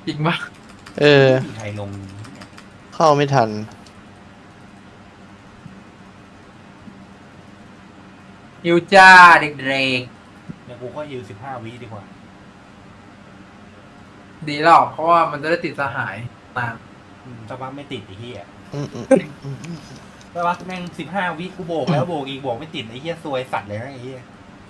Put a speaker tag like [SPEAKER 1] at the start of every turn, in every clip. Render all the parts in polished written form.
[SPEAKER 1] จริงปะ
[SPEAKER 2] เออ
[SPEAKER 3] ไม่มีใครลง
[SPEAKER 2] เข้าไม่ทัน
[SPEAKER 1] ฮิวจ้าเด็ก
[SPEAKER 3] เนี่ยกูก็ฮิว15 วิดีกว่า
[SPEAKER 1] ๆดีหรอกเพราะว่ามันจะได้ติดสหายนาน
[SPEAKER 3] สักพักไม่ติดไอ้เหี้ย
[SPEAKER 2] อืมอืมอืมอืม
[SPEAKER 3] สักพักแม่ง15 วิกูโบกแล้วโบกอีกโบกไม่ติดไอ้เหี้ยซวยสัตว์เลยนะไอ้เหี้ย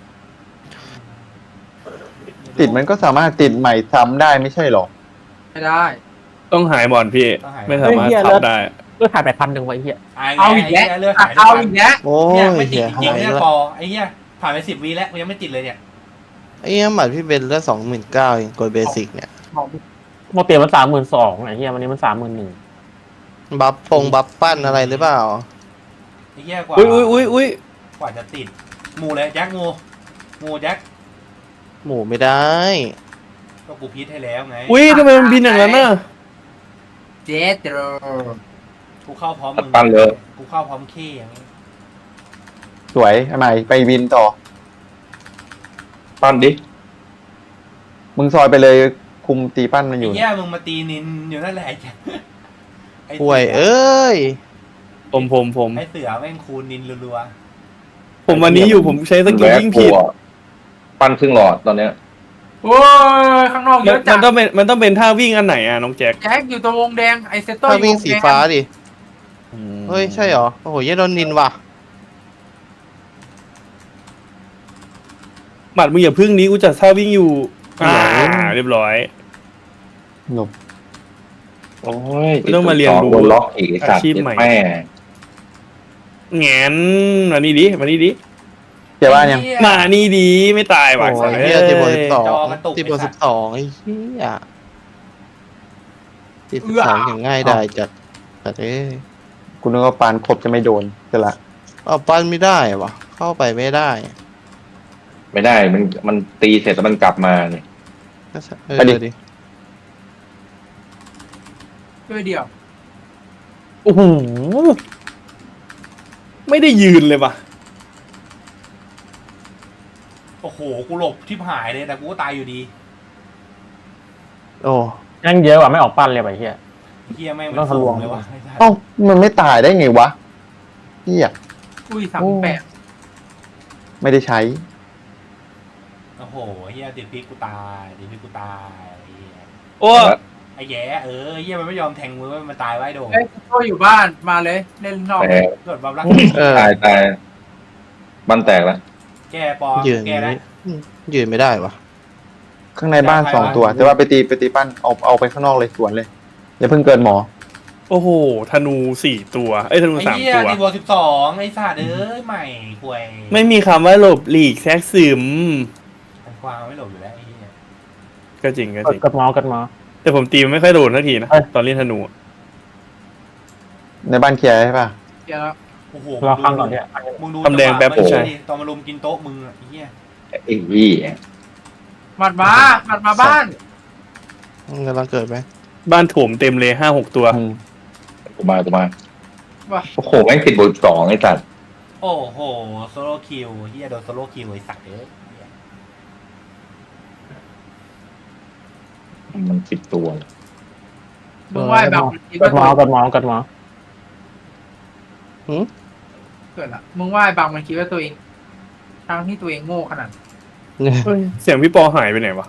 [SPEAKER 4] ติดมันก็สามารถติดใหม่ซ้ำได้ไม่ใช่หรอ
[SPEAKER 1] ไม่ได้
[SPEAKER 5] ต้องหายบอลพี่ ไม่สามารถทับได้
[SPEAKER 6] เลือดหายไป1,000ไว้เหี้ย
[SPEAKER 1] เอาอีกแล้ว
[SPEAKER 3] เลือดหาย
[SPEAKER 1] เอาอีกแล้ว
[SPEAKER 2] โอ้
[SPEAKER 3] เนี่ย
[SPEAKER 2] ย
[SPEAKER 3] ไม่ติด
[SPEAKER 2] เหี้ย
[SPEAKER 3] จริงๆเนี่ย
[SPEAKER 2] หายแล้ว
[SPEAKER 3] พอไอ้เหี้ยผ่านไป10 วิแล้วกูยังไม่ติดเลยเนี่ย
[SPEAKER 2] ไอ้เหี้ยหมัดพี่เบนเลือด29,000เองกดเบสิกเนี่ย
[SPEAKER 6] โมเตียมัน32,000ไอ้เหี้ยวันนี้มัน31,000
[SPEAKER 2] บัฟปั้นอะไรหรือเปล่า
[SPEAKER 3] ไอ้เหี้ยกว่า
[SPEAKER 5] อุ้ย
[SPEAKER 3] กว่าจะติดหมูเลยแจ็คงูแจ็ค
[SPEAKER 2] หมูไม่ได้
[SPEAKER 3] ก็กูพีทให้แล้วไง
[SPEAKER 5] อุ้ยทำไมมันบินอย่างนั้นน่ะ
[SPEAKER 1] เจโตร
[SPEAKER 3] กูเข้าพร้อมมึง
[SPEAKER 4] ปั่นเลย
[SPEAKER 3] กูเข้าพร้อมขี้อย่างนี้
[SPEAKER 4] สวยทำไมไปวินต่อ
[SPEAKER 7] ปั้นดิ
[SPEAKER 4] มึงซอยไปเลยคุมตีปั้นมันอ
[SPEAKER 3] ไอ้
[SPEAKER 4] ยู่
[SPEAKER 3] เหี้ยมึงมาตีนินอยู่นั่นแหละไอ้แจ็คไอ้
[SPEAKER 2] ป่วยเอ้ย
[SPEAKER 5] ผม
[SPEAKER 3] ไอ้เสือแม่งคูณนินรัว
[SPEAKER 5] ผมวันนี้อยู่ผมใช้สกิลยิ่งผิด
[SPEAKER 7] ปั้นครึ่งหลอดตอนเนี้ย
[SPEAKER 1] โอ้ยข้างนอกเย
[SPEAKER 5] มัน
[SPEAKER 1] อะจั
[SPEAKER 5] มั
[SPEAKER 1] ด
[SPEAKER 5] นต้องเป็นมันต้องเป็นท่าวิ่งอันไหนอ่ะน้องแจ็ค
[SPEAKER 1] แจ็คอยู่ตรงวงแดงไอเซโต้
[SPEAKER 2] ถ้าวิ่ง
[SPEAKER 1] อยู่
[SPEAKER 2] สี
[SPEAKER 1] วแด
[SPEAKER 2] ฟ้าดิ เฮ้ย ใช่เหรอ โอ้โหเหี้ยโดนนินว่ะ
[SPEAKER 5] หมัดมึงอย่าพึ่งนี้กูจะท่าวิ่งอยู่เรียบร้อย
[SPEAKER 4] หลบ
[SPEAKER 7] โอ้ย
[SPEAKER 5] ไม่ต้องมาเรียนรู้
[SPEAKER 7] โดนล็อกอีกไอ้สัตว์
[SPEAKER 5] อาชีพใหม่
[SPEAKER 7] แม่
[SPEAKER 5] แงนมานี่ดิ
[SPEAKER 4] เจ๊บ้านยัง
[SPEAKER 5] มานี่ดิไม่ตาย
[SPEAKER 2] โอ้
[SPEAKER 5] ว่ะ
[SPEAKER 2] ยเหี้ยตีบอล
[SPEAKER 5] เอ้ย
[SPEAKER 2] 12ตีบอล12ไอ้เหี้ยตี12อย่างง่ายได้จัดเอ้ย
[SPEAKER 4] กูนึกว่าปานครบจะไม่โดนจะละ
[SPEAKER 2] เอาปั้นไม่ได้วะเข้าไปไม่ได้
[SPEAKER 7] ไม่ได้มันตีเสร็จแล้วมันกลับมาเนี่ย
[SPEAKER 2] เออดิ
[SPEAKER 1] ด้วยเดียว
[SPEAKER 5] โอ้โหไม่ได้ยืนเลยว่ะ
[SPEAKER 3] โอ้โหกูหลบทิพหายเลยแต่กูก็ตายอยู่ดี
[SPEAKER 2] โอ้
[SPEAKER 6] ยังเยอะกว่าไม่ออกปั้นเลยไอ้เหี้ย
[SPEAKER 3] ไอ้เหี้ยแม่ง
[SPEAKER 6] ต้องทะลวง
[SPEAKER 3] เลยวะไอ้สัตว์
[SPEAKER 4] เอ้ามันไม่ตายได้ไงวะเฮีย
[SPEAKER 1] อุ้ย38
[SPEAKER 4] ไม่ได้ใช้
[SPEAKER 3] โอ้โหไอ้เหี้ยติดพิษกูตายไอ้เหี้ย
[SPEAKER 5] โอ้
[SPEAKER 3] ไอ้แย่ไอ้เหี้ยมันไม่ยอมแทงมือมันตายไว้โดน
[SPEAKER 1] เอ้ยโต้อยู่บ้านมาเลยเล่นนอก
[SPEAKER 7] แต่
[SPEAKER 3] กดบัฟรัก
[SPEAKER 2] เออ
[SPEAKER 7] ตายบ้านแตกแล้ว
[SPEAKER 3] แก้ปอ
[SPEAKER 2] ยืน
[SPEAKER 3] แก้ได้
[SPEAKER 2] ยืนไม่ได้วะ
[SPEAKER 4] ข้างในบ้าน2 ตัวแต่ว่าไปตีปั้นเอาไปข้างนอกเลยสวนเลยอย่าเพิ่งเกินหมอ
[SPEAKER 5] โอ้โหธนู4 ตัวเอ้ยธนู
[SPEAKER 3] ไอ้
[SPEAKER 5] 3
[SPEAKER 3] เหี้ย
[SPEAKER 5] ตัว
[SPEAKER 3] ตีบวก12ไอ้สัตว์เอ้ยใหม่ควย
[SPEAKER 5] ไม่มีคำว่าหลบหลีกแทรกซึม
[SPEAKER 3] ไอ้ควางไม่หลบอยู่แล้วไอ้เหี้ย
[SPEAKER 5] ก็จริง
[SPEAKER 6] กดหมอ
[SPEAKER 5] แต่ผมตีมันไม่ค่อยโดนทันทีนะ
[SPEAKER 6] เอ้ย
[SPEAKER 5] ตอนเล่นธนูอะ
[SPEAKER 4] ในบ้านเคลียร์ใช่ป่ะ
[SPEAKER 1] เดี๋ยว
[SPEAKER 3] โอ้โห
[SPEAKER 6] รอข้างก่อนเนี่ย
[SPEAKER 3] มึงดู
[SPEAKER 5] ทำแดงแป๊บ
[SPEAKER 3] จังหวะ
[SPEAKER 5] ใช่
[SPEAKER 3] เมื่อกี้ดิตอนมารุมกินโต๊ะมึงอะไอ้เหี้ย
[SPEAKER 7] ไอ้ยี่
[SPEAKER 1] หมัดมาบ้าน
[SPEAKER 2] กำลังเกิดไหม
[SPEAKER 5] บ้านโถมเต็มเลย5-6 ตัว
[SPEAKER 7] กูมา
[SPEAKER 1] ว่ะ
[SPEAKER 7] โอ้โหแม่งติดบท2ไอ้สัตว์
[SPEAKER 3] โอ้โหโซโล่คิวเหี้ยโดนโซโล่คิวไอ้สัตว์เอ้ย
[SPEAKER 7] มันติดตัว
[SPEAKER 1] มึงไหว้แบบมันคิด
[SPEAKER 6] ก
[SPEAKER 1] ว่า
[SPEAKER 6] ดหมอกดหมอ
[SPEAKER 1] เกิดละมึงไหว้บางมันคิดว่าตัวเองทั้งที่ตัวเองโง่ขนาด
[SPEAKER 5] เฮ้ยเสียงพี่ปอหายไปไหนวะ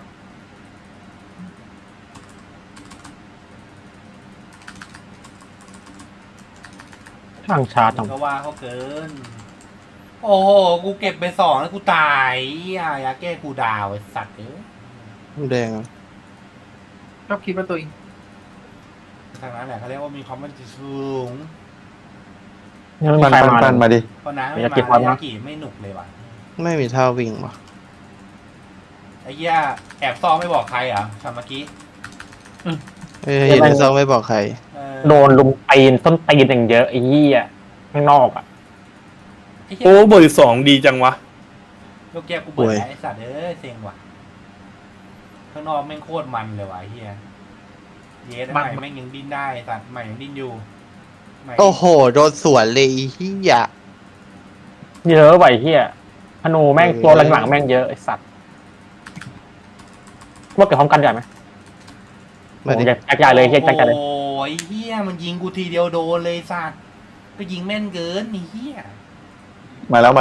[SPEAKER 6] ทางชาร์จ
[SPEAKER 3] ก็ว่าเขาเกิน โอ้โหกูเก็บไป2แล้วกูตายอยาแก้กูดาวไอ้สัตว์เอ้ย
[SPEAKER 2] แดงอะ
[SPEAKER 1] ชอบคิดว่าตัวเอง
[SPEAKER 3] ทางนั้นแหละเขาเรียกว่ามีความมั่นใจสูง
[SPEAKER 6] ยังไม่มี
[SPEAKER 4] ปั้น
[SPEAKER 6] ใครมา
[SPEAKER 4] ปั้นมาดิ
[SPEAKER 3] เพราะน้ำไม่
[SPEAKER 6] อยาก
[SPEAKER 3] มา
[SPEAKER 6] เก็บความนะ
[SPEAKER 3] ยากิไม่หนุกเลยว่ะ
[SPEAKER 2] ไม่มีท่าวิ่งว่ะ
[SPEAKER 3] ไอ้เหี้ยแอบซ่อมไม่บอกใครเหรอทำเมื่อกี้
[SPEAKER 2] เฮ้ยเห็นในซองไม่บอกใคร
[SPEAKER 3] เออ
[SPEAKER 6] โดนลุมตีนต้นตีนอย่างเยอะไอ้เหี้ยข้างนอกอ่ะ
[SPEAKER 3] ไอ้เหี้ย
[SPEAKER 5] โอ้บท2ดีจังวะ
[SPEAKER 3] ลูกแก้วกูเบิดแล้วไอ้สัตว์เอ้ยเซ็งว่ะข้างนอกแม่งโคตรมันเลยว่ะไอ้เหี้ยเยสใหม่แม่งยังดิ้นได้ไอ้สัตว์ใหม่ยังดิ้นอยู่ใหม่
[SPEAKER 2] โอ้โห โดนสวนเลยเฮีย
[SPEAKER 6] เยอะไปเหี้ยธนูแม่งตัวหลังๆแม่งเยอะไอ้สัตว์ว่าเกิดพร้อมกันใหญ่ไหม
[SPEAKER 2] มาดิ
[SPEAKER 6] แจ็คใหญ่เลยเฮียแจ็คใหญ่เลย
[SPEAKER 3] โอ้ยเฮียมันยิงกูทีเดียวโดนเลยสัตว์ก็ยิงแม่นเกินนี่เฮีย
[SPEAKER 4] มาแล้ว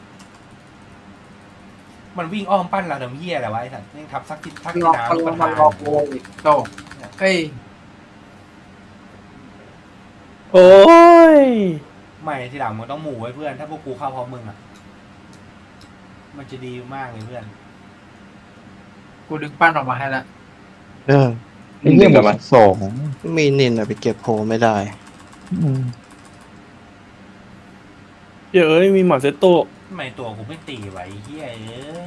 [SPEAKER 3] มันวิ่งอ้อมปั้นเราทำเฮียอะไรวะไอ้สัตว์แม่งทับซักทิศทัก
[SPEAKER 1] มัน
[SPEAKER 3] ที่
[SPEAKER 1] รอ
[SPEAKER 3] น้ำ
[SPEAKER 1] มัน
[SPEAKER 3] ลูก
[SPEAKER 1] ร
[SPEAKER 3] ป
[SPEAKER 1] อ
[SPEAKER 3] ระ
[SPEAKER 1] มัน
[SPEAKER 3] ธาน
[SPEAKER 1] รอโกอีกโตเฮ้ย
[SPEAKER 5] โอ้ย
[SPEAKER 3] ไม่ทีหลังมึงต้องหมู่ไว้เพื่อน ถ้าพวกกูเข้าพร้อมมึงอ่ะมันจะดีมากเลยเพื่อน
[SPEAKER 1] กูดึงปั้นออกมาให้ละ
[SPEAKER 2] เออ
[SPEAKER 4] ไอ้เหี้ยบวกสอง
[SPEAKER 2] มีนินอะไปเก็บโพไม่ได้
[SPEAKER 4] อืม
[SPEAKER 5] เดี๋ยวมีหมาเซตโต
[SPEAKER 3] ทำไมตัวกูไม่ตีไว้เฮียเอ้ย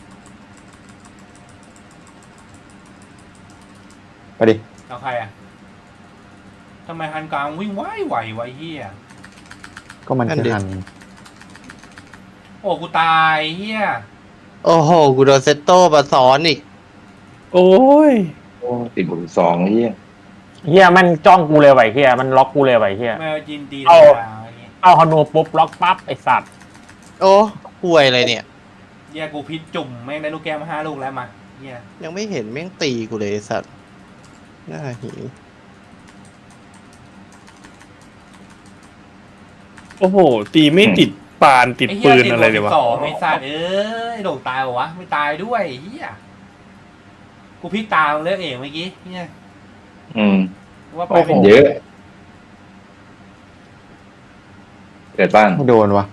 [SPEAKER 4] ไปดิ
[SPEAKER 3] เอาใครอ่ะทำไมฮันกลางวิ่งไหวไวเฮีย
[SPEAKER 4] ก็มันคือหัน
[SPEAKER 3] โอ้กูตายเฮีย
[SPEAKER 2] โอ้โห กูโดนเซตโต้มาซ้อนอีก
[SPEAKER 5] โอ้ย
[SPEAKER 7] ติดบวก2ไอ้เหี้ย
[SPEAKER 6] เฮียมันจ้องกูเลยไว้เฮียมันล็อกกูเลยไว้เฮีย
[SPEAKER 3] แมวจินตีธร
[SPEAKER 6] เอา
[SPEAKER 3] รมดาอย่างงี้
[SPEAKER 6] เอาฮอนโนปุ๊บล็อกปั๊บไอสัตว์
[SPEAKER 2] โอ้ห่วยอะไรเนี่ย
[SPEAKER 3] เฮียกูพิษจุ่มแม่งได้ลูกแก้วมา5 ลูกแล้วมาเฮีย
[SPEAKER 2] ยังไม่เห็นแม่งตีกูเลยไอ้สัตว์น่าหิว
[SPEAKER 5] โอ้โห ตีไม่ติดปานติดปืนอะไรเลยวะ
[SPEAKER 3] สองไอ้สัตว์เอ้ยโด่งตายเหรอวะไม่ตายด้วยเฮียกูพิษตามเลยเองเมื่อกี้เฮีย
[SPEAKER 7] อืม
[SPEAKER 3] ว่าไป
[SPEAKER 4] โอ้โห
[SPEAKER 3] เป็น
[SPEAKER 7] เยอะ เกิดบ้าน
[SPEAKER 4] ไม่โดนวะ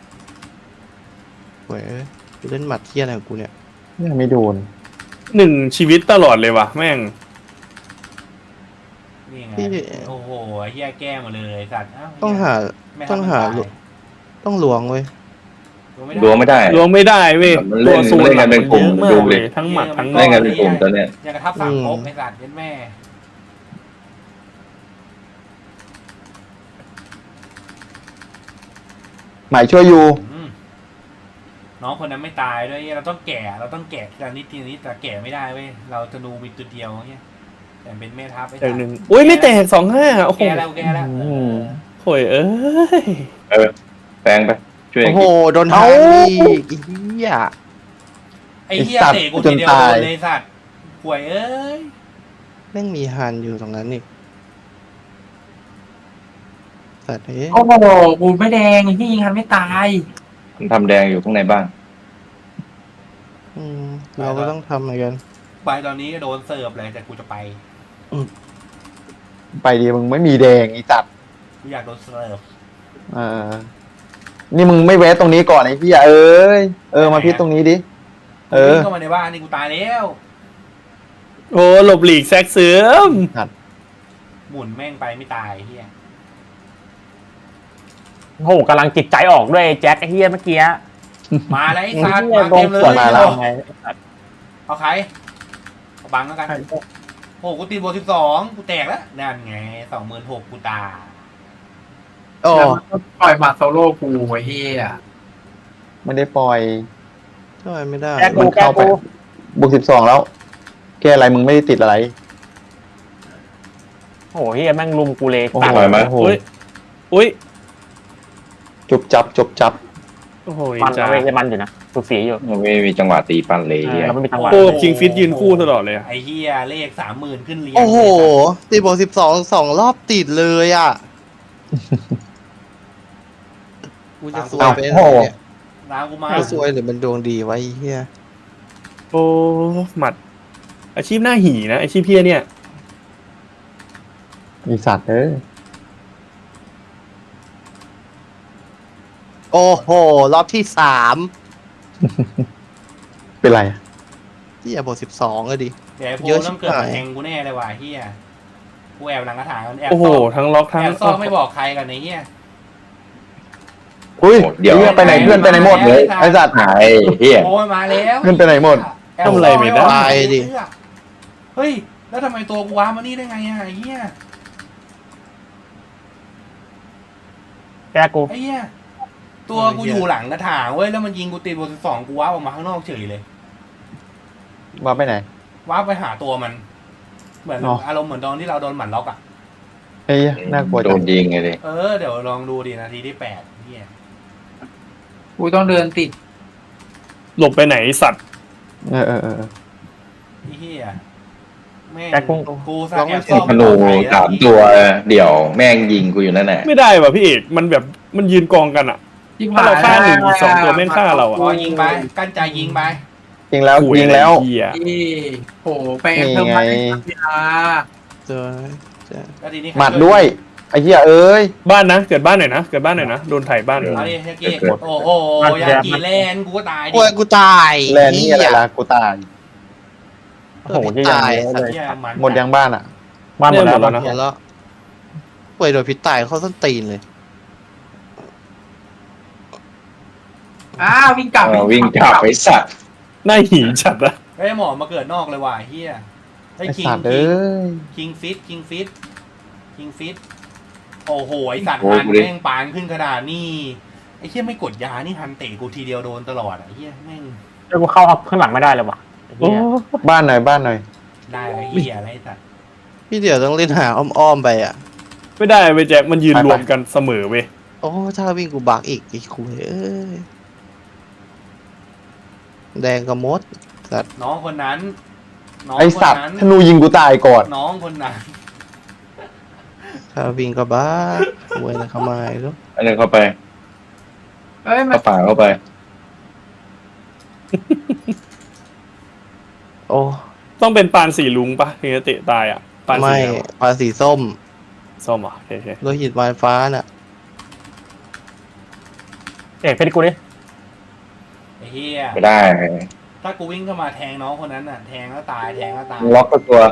[SPEAKER 2] ห่วยเอ้ยกูเล่นหมัดเที่ยอะไรของกูเนี่ย
[SPEAKER 4] ยังไม่โดน
[SPEAKER 5] 1 ชีวิตตลอดเลยวะแม่ง
[SPEAKER 3] นี่ไง
[SPEAKER 2] พี่
[SPEAKER 3] โอ้โหเฮียแก้หมดเลยสัตว์เา
[SPEAKER 2] ต้องหา
[SPEAKER 3] ไม่
[SPEAKER 2] ต้องหา
[SPEAKER 3] ทำมันตย
[SPEAKER 2] ต้องลวงเว้ย
[SPEAKER 7] ดวงไม่ได้
[SPEAKER 5] รวมไม่ได้เว้ย
[SPEAKER 7] มันเล่
[SPEAKER 5] ตัวน สูน
[SPEAKER 7] เล่น
[SPEAKER 5] ห
[SPEAKER 7] กั
[SPEAKER 5] ลั
[SPEAKER 7] น
[SPEAKER 5] ง
[SPEAKER 7] เป็
[SPEAKER 5] มัน น
[SPEAKER 7] กลุ่
[SPEAKER 5] เย
[SPEAKER 7] ม
[SPEAKER 5] อะมาก
[SPEAKER 7] ดูดิ
[SPEAKER 5] เลยทั้งหมัดทั้ง
[SPEAKER 7] เล่นกันเป็นกลุ่มตอนเนี้ย
[SPEAKER 3] อยากกระทับสามก๊กไอ้สัตว์ยันแม่
[SPEAKER 4] หมายช่วยอยู่
[SPEAKER 3] อืมน้องคนนั้นไม่ตายด้วยเราต้องแก่ทีละนิดทีละนิดแต่แก่ไม่ได้เว้ยเราจะดูมีตัวเดียวเนี่ยแต่เป็นแม่ทัพไอ้
[SPEAKER 5] แต่
[SPEAKER 3] สัตว์
[SPEAKER 5] หนึ่งอุ้ยไม่แตก2-5โอ้โห
[SPEAKER 3] แก่แล้วแก่แล้ว
[SPEAKER 5] โอยเอ้ย
[SPEAKER 7] แปลงไป ช่วย
[SPEAKER 2] โอ้โห โดน
[SPEAKER 4] เอ้า
[SPEAKER 2] ทางอีกอีเหี้ย
[SPEAKER 3] ไอ้เหี้ย
[SPEAKER 4] ไอ้สัตว์
[SPEAKER 3] เตะกูทีเดียว
[SPEAKER 4] จนตาย
[SPEAKER 3] โดนเลยสัตว์ห่วยเอ้ย
[SPEAKER 2] แม่งมีฮันอยู่ตรงนั้นอีกสัตว์เอ้ย
[SPEAKER 1] โอ้โหกูไม่แดงที่ยิงคันไม่ตาย
[SPEAKER 7] มันทำแดงอยู่ข้างในบ้าน
[SPEAKER 2] เราก็ต้องทำเหมือนกัน
[SPEAKER 3] ไปตอนนี้โดนเสิร์ฟเลยแต่กูจะไป
[SPEAKER 4] ไปดีมึงไม่มีแดงอีตัด
[SPEAKER 3] กูอยากโดนเสิร์ฟ
[SPEAKER 4] เออนี่มึงไม่แวะตรงนี้ก่อนไอ้พี่เอ้ยมาพิษตรงนี้ดิ
[SPEAKER 3] วิ่งเข้ามาในบ้านนี่กูตายแล้ว
[SPEAKER 5] โอ้หลบหลีกแซกเสื่อม
[SPEAKER 3] หมุนแม่งไปไม่ตายเฮีย
[SPEAKER 6] โอ้โหกำลังจิตใจออกด้วยไอ้แจ็คไอ้เฮียเมื่อกี้
[SPEAKER 3] มาแล้วไอ้สัตว์
[SPEAKER 6] เฮีย
[SPEAKER 3] มา
[SPEAKER 6] โด
[SPEAKER 3] เต็
[SPEAKER 6] น
[SPEAKER 3] มเล
[SPEAKER 6] สวน
[SPEAKER 3] ย
[SPEAKER 6] มาแล้วไง
[SPEAKER 3] เอาใครเอาบังแล้วกันโอ้กูตีบวก12กูแตกแล้วนั่นไง26,000กูตาย
[SPEAKER 2] โอ้
[SPEAKER 1] แล้วมันก็ปล่อยหมัดโซโล่กูไอ้เหี้ย
[SPEAKER 4] ไม่ได้ปล่อย
[SPEAKER 2] ช่วยไม่ได้
[SPEAKER 6] แจ็ค
[SPEAKER 4] มั
[SPEAKER 6] กู
[SPEAKER 4] น
[SPEAKER 6] แก้
[SPEAKER 4] เข้าไป
[SPEAKER 6] กู
[SPEAKER 4] บวก12แล้ว แกอะไรมึงไม่ได้ติดอะไร
[SPEAKER 6] โอ้โหเฮียแม่งลุมกูเลย
[SPEAKER 4] โอ้
[SPEAKER 6] ตัด
[SPEAKER 4] โห
[SPEAKER 7] ไหม
[SPEAKER 4] โอ้โห
[SPEAKER 5] อุ้ย
[SPEAKER 4] จบจับ
[SPEAKER 5] โอ้โห
[SPEAKER 6] มัน
[SPEAKER 5] จ้า
[SPEAKER 6] เว้ยมันอยู่นะสุดสีอยู่
[SPEAKER 7] มันไม่มีจังหวะตีปั้นเลยเฮีย
[SPEAKER 6] เราไม่มีจังหวะ
[SPEAKER 5] โอ้คิงฟิตยืนคู่ตลอดเลยอะ
[SPEAKER 3] ไอ้เฮียเลข30,000ขึ้นเรียง
[SPEAKER 2] โอ้โหตีบวก12 รอบติดเลยอ่ะ กูจะซวยไปไหนเนี่ย
[SPEAKER 3] น้ำกูมา
[SPEAKER 2] กูซวยหรือมันดวงดีไวะไอ้เฮีย
[SPEAKER 5] โอ้หมัด อาชีพหน้าหีนะอาชีพเพี้ยเนี่ย
[SPEAKER 4] อีสัตว์
[SPEAKER 2] โอ้โห รอบที่3
[SPEAKER 4] เป็นไร
[SPEAKER 2] เฮียบวก12ก็ดิ
[SPEAKER 3] เดี๋ยวไอ้โพ
[SPEAKER 2] เยอะชิบ
[SPEAKER 3] ต้องเกิดมา
[SPEAKER 2] หาย
[SPEAKER 3] แทงกูแน่เลยว่ะเฮียกูแอบหลังกระถางกันแอบ
[SPEAKER 5] โอ้โห
[SPEAKER 3] ซ่อม
[SPEAKER 5] ทั้งล็อกทั้ง
[SPEAKER 3] แอบซ่อมไม่บอกใครกันไอ้เฮีย
[SPEAKER 4] อุ้ย
[SPEAKER 7] เดี๋ยว
[SPEAKER 4] เหี้ยไปไหนเพื่อนไปไหนหมดเลยไอ้สัตว์
[SPEAKER 7] หายเฮีย
[SPEAKER 3] โอ้ยมาแล้ว
[SPEAKER 4] เงินไปไหนหมด
[SPEAKER 3] แอบซ่
[SPEAKER 5] ทำอะไรไม่ได้
[SPEAKER 3] บอก
[SPEAKER 2] ตายดิ
[SPEAKER 3] เฮ้ยแล้วทำไมตัวกูว้ามานี่ได้ไงอะไอ้เฮีย
[SPEAKER 6] แก้กู
[SPEAKER 3] ไอ้เฮียตัวกูอยู่หลังกระถางเว้ยแล้วมันยิงกูตีบวก12กูว้าออกมาข้างนอกเฉยเลย
[SPEAKER 4] มาไปไหน
[SPEAKER 3] ว้าไปหาตัวมัน เหมือน
[SPEAKER 4] อ๋อ
[SPEAKER 3] อารมณ์เหมือนตอนที่เราโดนหมันล็อกอ่ะ
[SPEAKER 4] เฮ้ยน่ากลัว
[SPEAKER 7] โด
[SPEAKER 4] จัง
[SPEAKER 7] นยิงไงดิ
[SPEAKER 3] เดี๋ยวลองดูดีนาทีที่8เฮีย
[SPEAKER 1] กูต้องเดินติด
[SPEAKER 5] หลบไปไหนสัตว์
[SPEAKER 4] เออ
[SPEAKER 3] ไอ้เฮียแม่ง
[SPEAKER 6] แจ็คกุ้ง
[SPEAKER 3] กูสแอบซ่อม
[SPEAKER 7] ธนูสามตัวเดี่ยวแม่งยิงกูอยู่นั่นแหละ
[SPEAKER 5] ไม่ได้ว่ะพี่เอกมันแบบมันยืนกองกันอ่ะ
[SPEAKER 1] ยิง
[SPEAKER 5] ถ้าเราฆ่าหนึ่งสองตัวแม่งฆ่าเราอะ
[SPEAKER 3] พอยิงไปกั้นใจยิงไป
[SPEAKER 4] ยิงแล้ว
[SPEAKER 5] คุ
[SPEAKER 4] ยิงแล้ว
[SPEAKER 5] อะไรเหี้ย
[SPEAKER 1] นี่โหไปเพิ่มมาได้ครับพี่อา
[SPEAKER 2] เจอเจอ
[SPEAKER 3] แล้วทีนี้
[SPEAKER 4] หมัดด้วยไอ้เหี้ยเอ้ย
[SPEAKER 5] บ้านนะเกิดบ้านหน่อยนะเกิดบ้านหน่อยนะโดนไถ่บ้าน
[SPEAKER 3] เอาดิยากิโอ้โหยากิแลนกูก็ตายดิ
[SPEAKER 2] โอ้ยกูตาย
[SPEAKER 4] แลนนี่อะไรล่ะกูตาย
[SPEAKER 6] โอ้โหที่ยังเยอะเลย
[SPEAKER 3] เหี้ยมัน
[SPEAKER 4] หมดยังบ้านอ่ะ
[SPEAKER 6] บ้านหมดแล้ว
[SPEAKER 5] นะ
[SPEAKER 2] เห็นแล้วป่วยโดนพิษตายเข้าส้นตีนเลย
[SPEAKER 1] อ้าววิ่งกลับ
[SPEAKER 7] วิ่งกลับไปสัตว์
[SPEAKER 5] หน้าหีจัดอะ
[SPEAKER 3] ไอ้หมอมาเกิดนอกเลยว่ะเฮียไอ้
[SPEAKER 4] ไอ้
[SPEAKER 3] คิง
[SPEAKER 4] สัตว์เอ้ย
[SPEAKER 3] คิงฟิตโอ้โหไอ้สัตว์ฮันแม่งปานขึ้นขนาดนี้ไอ้เฮียไม่กดยานี่ฮันเตะกูทีเดียวโดนตลอดอ่ะไอ้เฮียแม่ง
[SPEAKER 6] แล้วกูเข้าข้างหลังไม่ได้เลยว่ะไอ้เหี้ย
[SPEAKER 4] บ้านหน่อยบ้านหน่อย
[SPEAKER 3] ได้ไรเฮียอะไรสัตว์
[SPEAKER 2] พี่เดี๋ยวต้องเล่นหาอ้อมๆไปอ่ะ
[SPEAKER 5] ไม่ได้เว้ยแจ็คมันยืนรวมกันเสมอเว้ย
[SPEAKER 2] โอ้ถ้าวิ่งกูบักอีกไอ้คุยเอ้ยแดงกับมดสัตว์
[SPEAKER 3] น้องคนนั้นน้อง
[SPEAKER 4] ไอ้
[SPEAKER 3] คน
[SPEAKER 4] สัตว์
[SPEAKER 3] นั้น
[SPEAKER 4] ธนูยิงกูตายก่อน
[SPEAKER 3] น้องคนนั้น
[SPEAKER 2] ถ้าวิ่งก็บักคุยนะเข้ามาอีกแล้ว
[SPEAKER 7] อันนึงเข้าไป
[SPEAKER 1] เอ้ยมัน
[SPEAKER 7] เข้าป่าเข้าไป
[SPEAKER 2] โอ้
[SPEAKER 5] ต้องเป็นปานสีลุงปะถึงจะเตะตายอ่ะปานสี
[SPEAKER 2] ไม่
[SPEAKER 5] อะไรวะ
[SPEAKER 2] ปลาสีส้ม
[SPEAKER 5] ส้มอ่ะโอเค
[SPEAKER 2] โลหิตวานฟ้าน่ะ
[SPEAKER 6] เอกเพชรกูดิ
[SPEAKER 3] ไอ้เฮีย
[SPEAKER 7] ไม่ได้
[SPEAKER 3] ถ้ากูวิ่งเข้ามาแทงน้องคนนั้นน่ะแทงแล้วตายแทงแล้วตาย
[SPEAKER 7] ล็อกก็ตัว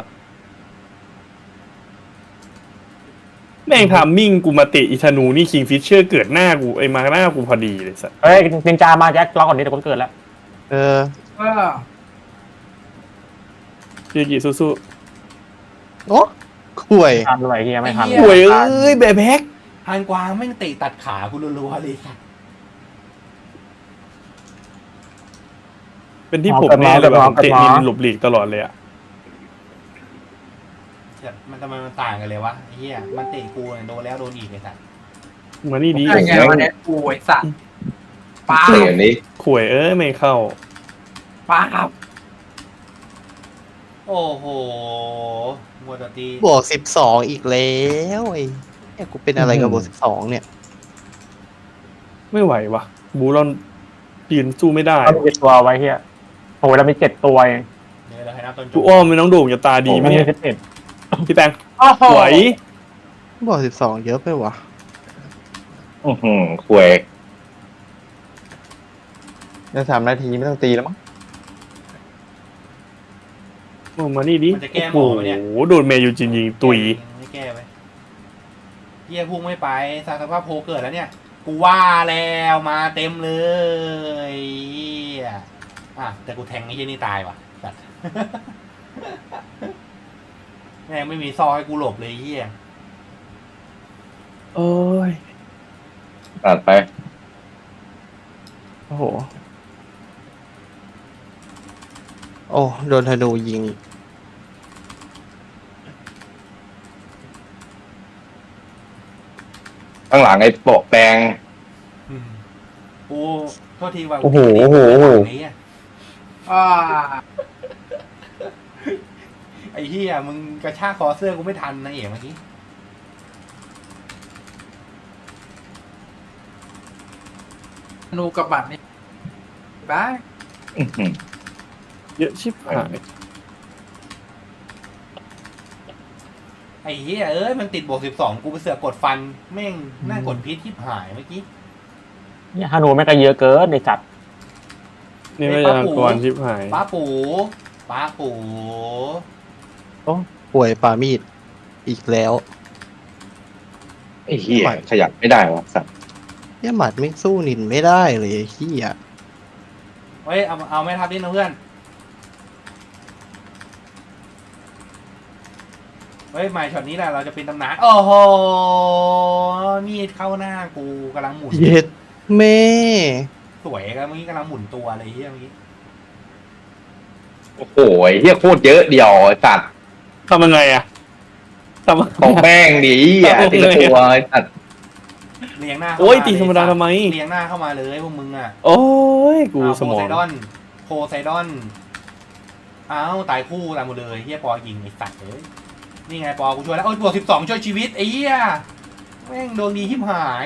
[SPEAKER 5] แม่งทำมิ่งกูมาเตะอีธนูนี่คิงฟิชเชอร์เกิดหน้ากูไอ้มาหน้ากูพอดีเลยสัส
[SPEAKER 6] เฮ้ยนินจามาแจ็คล็อกก่อนนี้เดี๋ยวกูเกิดแล้ว
[SPEAKER 2] เออ
[SPEAKER 1] ก็
[SPEAKER 5] ยูกิสู้
[SPEAKER 2] โอ้คุย
[SPEAKER 6] ทันเลยเฮียไม่ทัน
[SPEAKER 5] ๆป่วยเอ้ยแบบแฮก
[SPEAKER 3] ฮันกวางแม่งเตะตัดขากูรัวๆเลยสัตว์
[SPEAKER 5] เป็นที่ผมแน่เลยแบบผมเตะนินหลบหลีกตลอดเลยอ่ะ
[SPEAKER 3] มันทำไมมันต่างกันเลยวะไอ้เฮียมันเตะกูเนี่ยโดนแล้วโดนอีกไอ้สัตว์
[SPEAKER 5] มานี่ดี
[SPEAKER 1] ได้ไงวะเนี่ยกูไอ้สัตว์ป้า
[SPEAKER 7] เสียนี้
[SPEAKER 5] ข่วยเอ้ยไม่เข้า
[SPEAKER 1] ป้าบ
[SPEAKER 3] โอ้โหมัวแต่ตี
[SPEAKER 2] บวก12อีกแล้วไอ้เนี่ยกูเป็นอะไรกับบวก12เนี่ย
[SPEAKER 5] ไม่ไหววะบูรอนยืนสู้ไม่ได้
[SPEAKER 6] เขามีตัวไว้เฮียโอ้ยเรามี7 ตัวเอง
[SPEAKER 3] เดี๋ยวเราให้นับต้น
[SPEAKER 5] กูอ้อมไม่น้องโด่งจะตาดี
[SPEAKER 6] ดี
[SPEAKER 5] ไหม
[SPEAKER 6] ไม่
[SPEAKER 5] เนี่
[SPEAKER 6] ใช่
[SPEAKER 5] ย
[SPEAKER 6] 11
[SPEAKER 5] พี่แปง
[SPEAKER 1] โอ้โห
[SPEAKER 5] สวย
[SPEAKER 2] บวก12เยอะไปวะ
[SPEAKER 7] ควย
[SPEAKER 4] เดี๋ยว3 นาทีไม่ต้องตีแล้วมั้ง
[SPEAKER 5] โอ้มานี่ดิ
[SPEAKER 3] มันจะแก้หม
[SPEAKER 5] โอ้
[SPEAKER 3] อ
[SPEAKER 5] โห
[SPEAKER 3] ไหมเนี่ย
[SPEAKER 5] โดนเมยูจินยิงตุย
[SPEAKER 3] ไม่แก้ไปเฮียพุ่งไม่ไปสารสภาพโพเกิดแล้วเนี่ย กูว่าแล้วมาเต็มเลยเฮียอ่ะแต่กูแทงไอ้เฮียนี่ตายว่ะสัตว์ แม่งไม่มีซอยให้กูหลบเลยเฮีย
[SPEAKER 5] โอ้ย
[SPEAKER 7] ตัดไป
[SPEAKER 5] โอ้โห
[SPEAKER 2] โอ้โดนธนูยิง
[SPEAKER 7] ข้างหลังไอ้โปะแปลง
[SPEAKER 3] อืมกูโทษทีว่า
[SPEAKER 4] โอ้โหโอ้โหโอ้โห
[SPEAKER 3] ไอ้เหี้ย
[SPEAKER 1] อ่า
[SPEAKER 3] ไอ้เหี้ยมึงกระชากคอเสื้อกูไม่ทันนะเอ๋เมื่อกี้
[SPEAKER 1] ธนูกับบัตรนี่บ้า
[SPEAKER 5] เยอะชิบหาย
[SPEAKER 3] ไอ้เหี้ยเอ้ยมันติดบวก 12กูไปเสือกกดฟันแม่งน่ากดพิษที่หายเมื่อกี้
[SPEAKER 6] เนี่ยฮานูแม่งก็เยอะเกินในจัด
[SPEAKER 5] นี่ไม่ใช่ทางกรชิบหาย
[SPEAKER 3] ป้าปูป้าปู
[SPEAKER 2] ป่วยปามีดอีกแล้ว
[SPEAKER 7] ไอ้เหี้ยขยับไม่ได้วะสัตว์
[SPEAKER 2] เนี่ยหมัดไม่สู้นินไม่ได้เลยไอ้เฮีย
[SPEAKER 3] เฮ้ยเอาไม่ทับดินะเพื่อนเฮ้ยหมายช็อตนี้แหละเราจะเป็นตำนานโอ้โหมีดเข้าหน้ากูกำลังหมุน
[SPEAKER 2] เย็ดแม่
[SPEAKER 3] สวยกันเมื่อกี้กำลังหมุนตัวเลยเฮียเมื่อกี้
[SPEAKER 7] โอ้โหไอ้เหี้ยโคตรเยอะเดียวไอ้สัตว์
[SPEAKER 5] ทำยังไงอะทำยังไง
[SPEAKER 7] ของแม่งดิอ่ะทีละตัวไอ้สัตว์
[SPEAKER 3] เรียงหน้าเข้า
[SPEAKER 5] โอ้ย
[SPEAKER 3] มา
[SPEAKER 5] ตีธรรมดาทำไม
[SPEAKER 3] เรียงหน้าเข้ามาเลยพวกมึงอ่ะ
[SPEAKER 5] โอ้ยกู
[SPEAKER 3] อ่ะ
[SPEAKER 5] สมอง
[SPEAKER 3] โพไซดอนอ้าวตายคู่ตายหมดเลยเฮียปอยิงไอ้สัตว์เลยนี่ไงปอกูช่วยแล้วโอ้ยบวก12ช่วยชีวิตไอ้เหี้ยแม่งดวงดีทิมหาย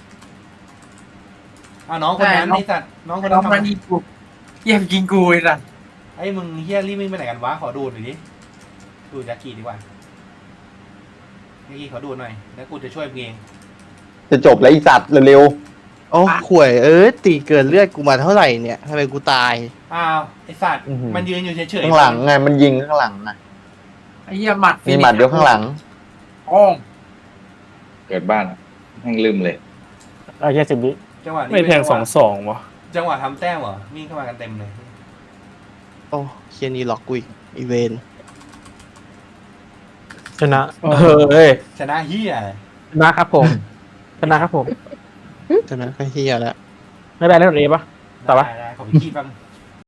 [SPEAKER 3] น้องคนนั้นไอ้สัตว์น้องคน
[SPEAKER 1] น้
[SPEAKER 3] นั้
[SPEAKER 1] อน งมันยิงกูเยี่ยมยิงกูไอ้สัส
[SPEAKER 3] ไอ้มึงเฮียรีบวิ่งไปไหนกันวะขอดูหน่อยดิดูยากิดีกว่าเมื่อกี้ขอดูหน่อยแล้วกูจะช่วยมึงเอง
[SPEAKER 4] จะจบแล้วไอีสัตว์เร็ว
[SPEAKER 2] โอ้ข่วยตีเกินเลือดกูมาเท่าไหร่เนี่ยทำไมกูตาย
[SPEAKER 3] อ้าวไอ้สัตว์มันยืนอยู่เฉ
[SPEAKER 4] ๆ
[SPEAKER 3] ยๆ
[SPEAKER 4] ข้างหลังไงมันยิงข้างหลังน่ะ
[SPEAKER 1] ไอ้เหี้ยหมัด
[SPEAKER 4] มีหมัดเดียวข้างหลัง
[SPEAKER 1] โอ้ง
[SPEAKER 7] เกิดบ้านแม่งลืมเลย
[SPEAKER 6] ไอ้เหี้ย10 วิ
[SPEAKER 3] จังหวะนี้
[SPEAKER 5] ไม่แทง
[SPEAKER 3] เป็น
[SPEAKER 5] 2-2วะ
[SPEAKER 3] จังหวะทำแต้มเหรอวิ่งเข้ามากันเต็มเลย
[SPEAKER 2] โอ้เคียนี่ล็อกกูอีกอีเวน
[SPEAKER 6] ชนะเฮ้ย
[SPEAKER 3] ชนะเฮีย
[SPEAKER 6] ชนะครับผมชนะครับผม
[SPEAKER 2] ฉะนั้นก็เฮียแล้ว
[SPEAKER 6] ไม่แบนเล่นเอปะ ต่อปะ
[SPEAKER 3] ได้ขอไปขี้แป๊บ